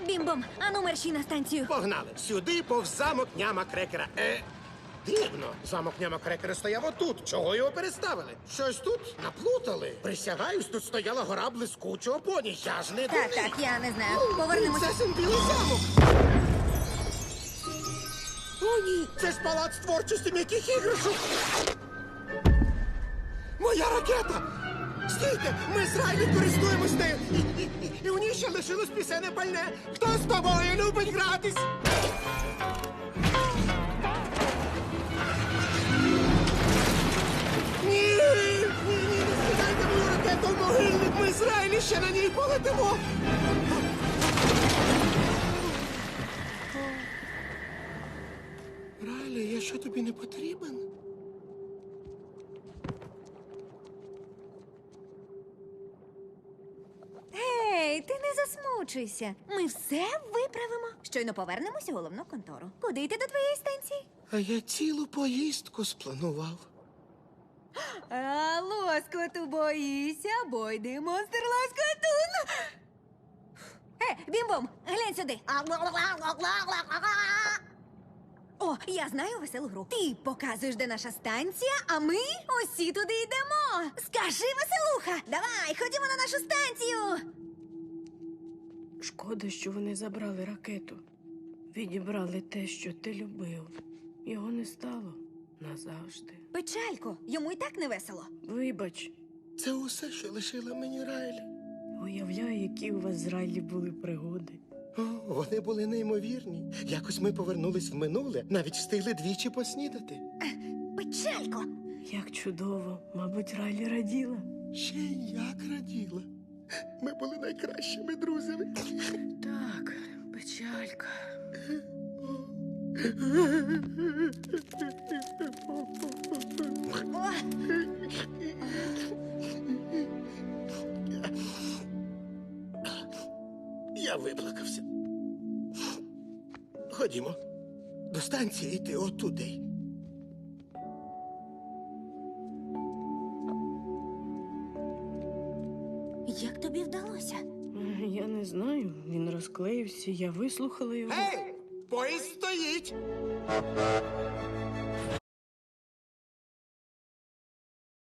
Бім-бом, ану мерщій на станцію. Погнали. Сюди повз замок Няма Крекера. Дивно. Замок Няма Крекера стояв отут. Чого його переставили? Щось тут наплутали. Присягаюсь, тут стояла гора блискучого поні. Я ж не Так, дурний. так, я не знаю. Повернемося. Це Симбілий замок. О, ні. Це ж палац творчості м'яких іграшок. Моя ракета! Стійте! Ми з Райлі користуємось нею! І у ній ще лишилось пісенне пальне! Хто з тобою любить гратись? Ні! Ні, не скидайте мою ракету в могильник! Ми з Райлі ще на ній полетимо! Райлі, я що тобі не потрібен? Ей, ти не засмучуйся. Ми все виправимо. Щойно повернемося у головну контору. Куди йти до твоєї станції? А я цілу поїздку спланував. А лоскоту боїся, бо йде монстр лоскотун. Бім-бом, глянь сюди. О, я знаю веселу гру. Ти показуєш, де наша станція, а ми усі туди йдемо. Скажи, веселуха, давай, ходімо на нашу станцію. Шкода, що вони забрали ракету. Відібрали те, що ти любив. Його не стало назавжди. Печалько, йому і так не весело. Вибач, Це усе, що лишила мені Райлі. уявляю, які у вас з Райлі були пригоди. О, вони були неймовірні. Якось ми повернулись в минуле, навіть встигли двічі поснідати. Печалько. Як чудово, мабуть, Райлі раділа. Ще й як раділа. Ми були найкращими друзями. Так, печалька. О, Я виплакався. Ходімо. До станції йти отуди. як тобі вдалося? Я не знаю, він розклеївся, я вислухала його. Гей! Поїзд стоїть!